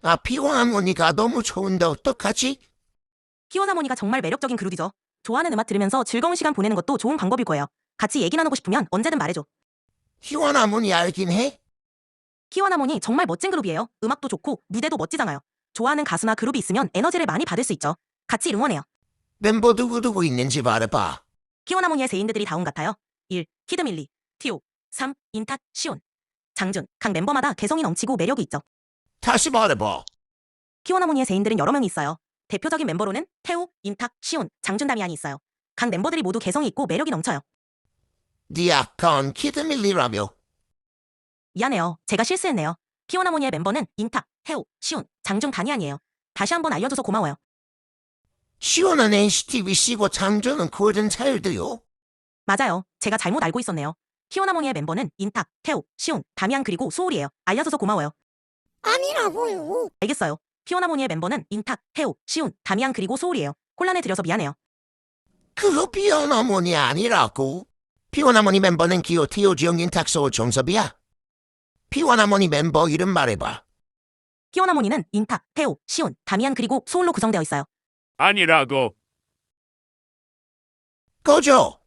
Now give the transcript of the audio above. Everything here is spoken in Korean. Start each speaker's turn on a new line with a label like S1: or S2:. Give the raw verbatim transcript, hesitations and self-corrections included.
S1: 아, 피원 할머니가 너무 좋은데 어떡하지?
S2: 키원 하모니가 정말 매력적인 그룹이죠. 좋아하는 음악 들으면서 즐거운 시간 보내는 것도 좋은 방법일 거예요. 같이 얘기 나누고 싶으면 언제든 말해줘.
S1: 피원 할머니 알긴 해?
S2: 키원 하모니 정말 멋진 그룹이에요. 음악도 좋고 무대도 멋지잖아요. 좋아하는 가수나 그룹이 있으면 에너지를 많이 받을 수 있죠. 같이 응원해요.
S1: 멤버 누구누구 있는지 말해봐.
S2: 키원 하모니의 세인들이 다음 같아요. 일. 키드밀리 티오 삼. 인탁, 시온 장준. 각 멤버마다 개성이 넘치고 매력이 있죠.
S1: 다시 말해봐.
S2: 키원 하모니의 세인들은 여러 명이 있어요. 대표적인 멤버로는 태우, 인탁, 시온, 장준, 다미안이 있어요. 각 멤버들이 모두 개성이 있고 매력이 넘쳐요.
S1: 네 아까운 키드밀리라며.
S2: 미안해요. 제가 실수했네요. 키원 하모니의 멤버는 인탁, 태우, 시온, 장준, 다니안이에요. 다시 한번 알려줘서 고마워요.
S1: 시원한 엔시티 위시고 장조는 골든차일드요.
S2: 맞아요. 제가 잘못 알고 있었네요. 키원 하모니의 멤버는 인탁, 태우, 시온, 다미안 그리고 소울이에요. 알려줘서 고마워요.
S1: 아니라고요.
S2: 알겠어요. 키원 하모니의 멤버는 인탁, 태우, 시온, 다미안 그리고 소울이에요. 혼란을 드려서 미안해요.
S1: 그거 피원 할머니 아니라고. 피원 할머니 멤버는 기호 티오 지영 인탁소 정섭이야. 피원 할머니 멤버 이름 말해봐.
S2: 키원 하모니는 인탁, 태우, 시온, 다미안 그리고 소울로 구성되어 있어요.
S3: 아니라고.
S1: 꺼져.